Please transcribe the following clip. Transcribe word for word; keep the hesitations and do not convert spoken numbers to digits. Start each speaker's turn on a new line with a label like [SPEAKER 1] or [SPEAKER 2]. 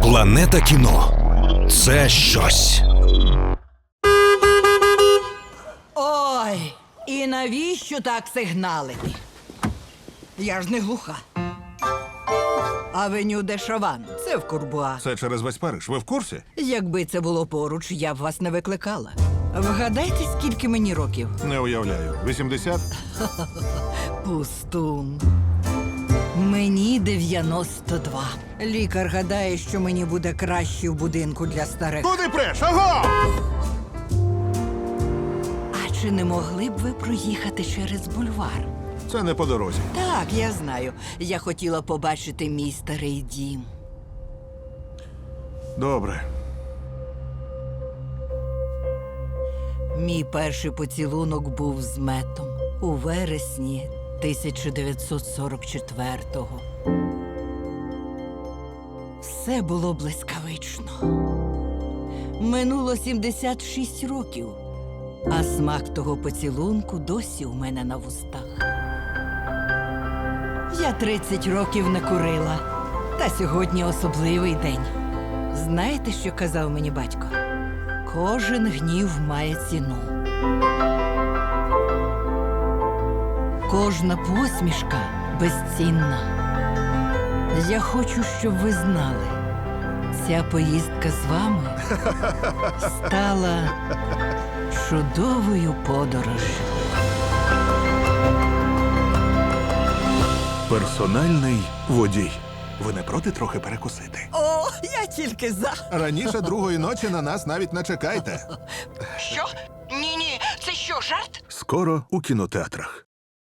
[SPEAKER 1] Планета кіно – це щось.
[SPEAKER 2] Ой, і навіщо так сигналити? Я ж не глуха. Авеню де Шаван – це в Курбуа.
[SPEAKER 3] Це через весь Париж. Ви в курсі?
[SPEAKER 2] Якби це було поруч, я б вас не викликала. Вгадайте, скільки мені років?
[SPEAKER 3] Не уявляю. вісімдесят?
[SPEAKER 2] Пустун. Мені дев'яносто два. Лікар гадає, що мені буде краще в будинку для старих.
[SPEAKER 3] Куди преш? Аго!
[SPEAKER 2] А чи не могли б ви проїхати через бульвар?
[SPEAKER 3] Це не по дорозі.
[SPEAKER 2] Так, я знаю. Я хотіла побачити мій старий дім.
[SPEAKER 3] Добре.
[SPEAKER 2] Мій перший поцілунок був з Метом у вересні тисяча дев'ятсот сорок четвертого. Все було блискавично. Минуло сімдесят шість років, а смак того поцілунку досі у мене на вустах. Я тридцять років не курила, та сьогодні особливий день. Знаєте, що казав мені батько? Кожен гнів має ціну. Кожна посмішка безцінна. Я хочу, щоб ви знали, ця поїздка з вами стала чудовою подорожжю.
[SPEAKER 3] Персональний водій. Ви не проти трохи перекусити?
[SPEAKER 2] О, я тільки за.
[SPEAKER 3] Раніше другої ночі на нас навіть не чекайте.
[SPEAKER 2] Що? Ні-ні, це що, жарт?
[SPEAKER 3] Скоро у кінотеатрах.